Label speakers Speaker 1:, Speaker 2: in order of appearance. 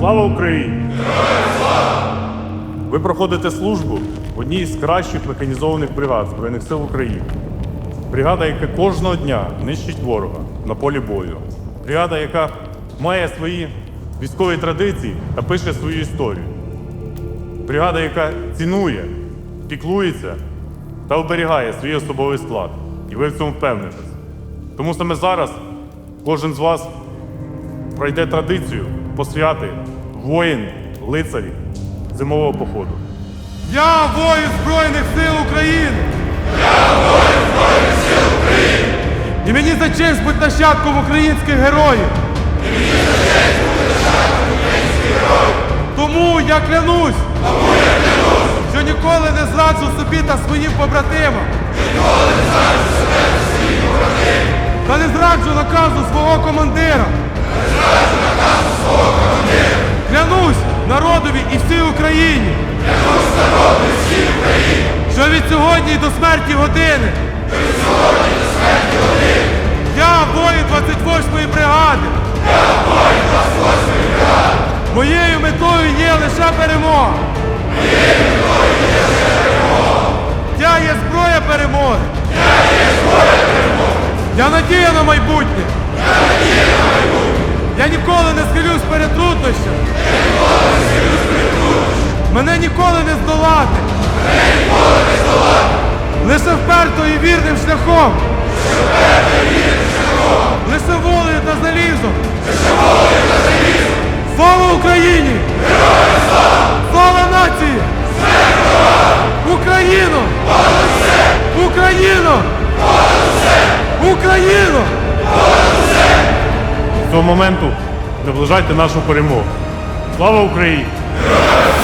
Speaker 1: Слава Україні! Ви проходите службу в одній з кращих механізованих бригад Збройних сил України. Бригада, яка кожного дня нищить ворога на полі бою. Бригада, яка має свої військові традиції та пише свою історію. Бригада, яка цінує, піклується та оберігає свій особовий склад. І ви в цьому впевнитесь. Тому саме зараз кожен з вас пройде традицію посвяти воїн, лицарі зимового походу.
Speaker 2: Я воїн Збройних сил України!
Speaker 3: Я воїн Збройних сил України!
Speaker 2: І мені за честь бути нащадком українських героїв!
Speaker 3: І мені за честь бути нащадком українських героїв!
Speaker 2: Тому я клянусь, що ніколи не зраджу собі та своїм побратимам!
Speaker 3: Ніколи не зраджу себе та своїм побратимам!
Speaker 2: Та не зраджу наказу свого командира!
Speaker 3: Не зраджу наказу свого командира!
Speaker 2: Клянусь народові і всій Україні!
Speaker 3: Клянусь народу і всій Україні!
Speaker 2: Що від сьогодні до смерті години!
Speaker 3: Що від сьогодні до смерті години!
Speaker 2: Я воїн 28-ї бригади!
Speaker 3: Я воїн 28-ї бригади!
Speaker 2: Моєю метою є лише перемога!
Speaker 3: Моєю метою є лише перемога!
Speaker 2: Я є зброя перемоги!
Speaker 3: Я є зброя перемоги!
Speaker 2: Я надія на майбутнє!
Speaker 3: Я надія на майбутнє!
Speaker 2: Я ніколи не схилюсь перед труднощами!
Speaker 3: Я ніколи не схилюсь перед труднощами!
Speaker 2: Мене ніколи не здолати!
Speaker 3: Мене ніколи не здолати!
Speaker 2: Лише вперто і вірним шляхом!
Speaker 3: Лише вперто і вірним шляхом!
Speaker 2: Лише волею та залізом!
Speaker 3: Лише волею та залізом!
Speaker 2: Слава Україні!
Speaker 3: Героям слава!
Speaker 2: Слава нації!
Speaker 3: Смерть ворогам!
Speaker 2: Україну!
Speaker 3: Понад усе!
Speaker 2: Україну!
Speaker 3: Понад усе!
Speaker 2: Україну!
Speaker 3: Понад усе!
Speaker 1: З цього моменту наближайте нашу перемогу. Слава Україні!
Speaker 3: Героям